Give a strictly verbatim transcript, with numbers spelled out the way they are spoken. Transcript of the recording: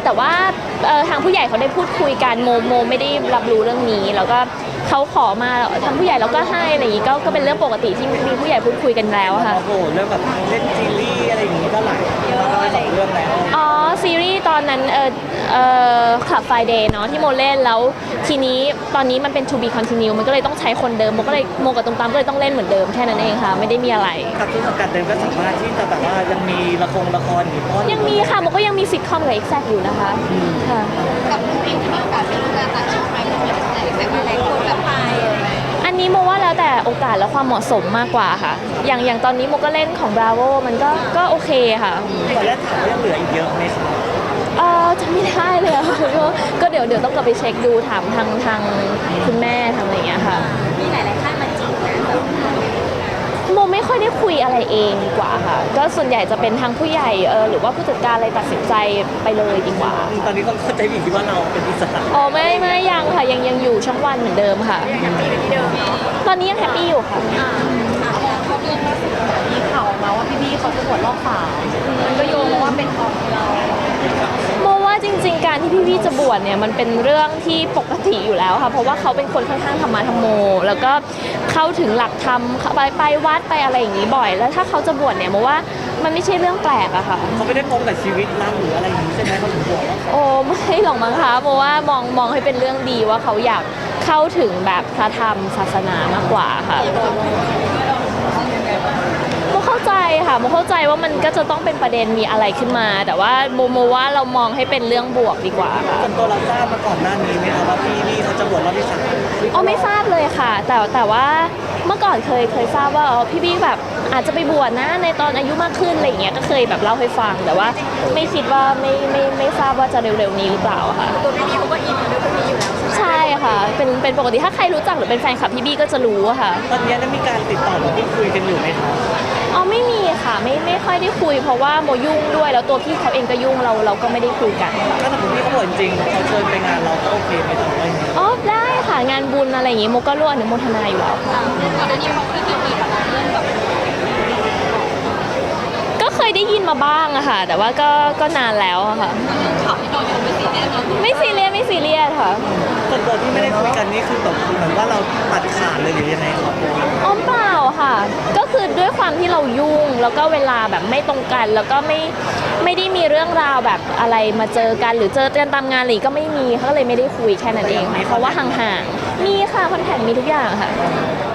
แต่ว่าทางผู้ใหญ่เขาได้พูดคุยกันโมโมไม่ได้รับรู้เรื่องนี้แล้วก็เขาขอมาทางผู้ใหญ่เราก็ให้อะไรอย่างนี้ก็ก็เป็นเรื่องปกติที่มีผู้ใหญ่พูดคุยกันแล้วค่ะโอ้โหเรื่องแบบเล่นซีรีส์อะไรอย่างนี้ก็หลายเยอะเลยสองเรื่องแล้วอ๋อซีรีส์ตอนนั้นเออเออคลับไฟเดย์เนาะที่โมเล่นแล้วทีนี้ตอนนี้มันเป็น to be continue มันก็เลยต้องใช้คนเดิมโมก็เลยโมกับตรงตามก็เลยต้องเล่นเหมือนเดิมแค่นั้นเองค่ะไม่ได้มีอะไรกับที่สังกัดเดิมก็สามารถที่จะแบบว่ายังมีละครละครอยู่ยังมีค่ะโมก็ยังมีซิทคอมกับเอ็กแซกอยู่นะคะค่ะกับผู้หญิงที่มีโอกาสไปร่วมงานต่างชาติไหมหรือว่าแต่ว่าหลายคนแบบไปอันนี้โมว่าแล้วแต่โอกาสและความเหมาะสมมากกว่าค่ะอย่างอย่างตอนนี้โมก็เล่นของ Bravo มันก็ก็โอเคค่ะตอนแรกถามว่ายังเหลืออีกเยอะไหมคะเออจำไม่ได้เลยค่ะก็เดี๋ยวเดี๋ยวต้องกลับไปเช็คดูถามทางทางคุณแม่ทางอะไรอย่างเงี้ยค่ะมีหลายๆค่ายมาจีบนะโมไม่ค่อยได้คุยอะไรเองดีกว่าค่ะก็ส่วนใหญ่จะเป็นทางผู้ใหญ่เออหรือว่าผู้จัดการอะไรตัดสินใจไปเลยดีกว่าตอนนี้เขาเข้าใจผิดว่าเราเป็นอิสระอ๋อไม่ไม่ยังค่ะยังยังอยู่ช่องวันเหมือนเดิมค่ะยังแฮปปี้ที่เดิมตอนนี้ยังแฮปปี้อยู่ค่ะมีข่าวมาว่าพี่ๆเขาจะบวชรอบสามมันก็โยงว่าเป็นของเราโมว่าจริงๆการที่พี่ๆจะบวชเนี่ยมันเป็นเรื่องที่ปกติอยู่แล้วค่ะเพราะว่าเขาเป็นคนค่อนข้างธรรมะธรรมโมแล้วก็เข้าถึงหลักธรรมไปไปวัดไปอะไรอย่างนี้บ่อยแล้วถ้าเขาจะบวชเนี่ยโมว่ามันไม่ใช่เรื่องแปลกอะค่ะเขาไม่ได้พงกับชีวิตรักหรืออะไรอย่างนี้ใช่ไหมเขาถึงบวชโอ้ไม่หรอกมั้งคะโมว่ามองมองให้เป็นเรื่องดีว่าเขาอยากเข้าถึงแบบพระธรรมศาสนามากกว่าค่ะโมเข้าใจค่ะโมเข้าใจว่ามันก็จะต้องเป็นประเด็นมีอะไรขึ้นมาแต่ว่าโมโมว่าเรามองให้เป็นเรื่องบวกดีกว่าค่ะส่วนตัวเราทราบมาก่อนหน้านี้ไหมคะว่าพี่นี่เขาจะบวชรอบที่สามอ๋อไม่ทราบเลยค่ะแต่แต่ว่าเมื่อก่อนเคยเคยทราบว่าพี่พี่แบบอาจจะไปบวชนะในตอนอายุมากขึ้นอะไรอย่างเงี้ยก็เคยแบบเล่าให้ฟังแต่ว่าไม่คิดว่าไม่ไม่ไม่ทราบว่าจะเร็วๆนี้หรือเปล่าค่ะตัวพี่บี้เขาก็อินกับเรื่องพวกนี้อยู่แล้วใช่ค่ะเป็นเป็นปกติถ้าใครรู้จักหรือเป็นแฟนคลับพี่บี้ก็จะรู้ค่ะตอนนี้ได้มีการติดต่อหรือพูดคุยกันอยู่ไหมคะอ๋อไม่มีค่ะไม่ไม่ค่อยได้คุยเพราะว่าโมยุ่งด้วยแล้วตัวพี่เขาเองก็ยุ่งเราเราก็ไม่ได้คุยกันถ้าสมมติพี่เขาบวชจริงเขาเชิญไปงานเราก็โอเคไหมคะอ๋อได้ค่ะงานบุญอะไรอย่างงี้โมก็ร่วมอนุโมทนาอยู่แล้วค่ะก่อนหน้านี้เขาเคยมีแบบเรื่องแบบก็เคยได้ยินมาบ้างอะค่ะแต่ว่าก็ก็นานแล้วอะค่ะข่าวที่เราอยู่ไม่ซีเรียสไม่ซีเรียสไม่ซีเรียสค่ะส่วนตัวที่ไม่ได้คุยกันนี่คือแบบเหมือนว่าเราตัดขาดเลยหรือยังไงครับอ๋อเปล่าค่ะก็คือด้วยความที่เรายุ่งแล้วก็เวลาแบบไม่ตรงกันแล้วก็ไม่ไม่ได้มีเรื่องราวแบบอะไรมาเจอกันหรือเจอกันตามงานหรือก็ไม่มีเขาเลยไม่ได้คุยแค่นั้นเองเพราะว่าห่างๆมีค่ะคอนแทคมีทุกอย่างค่ะ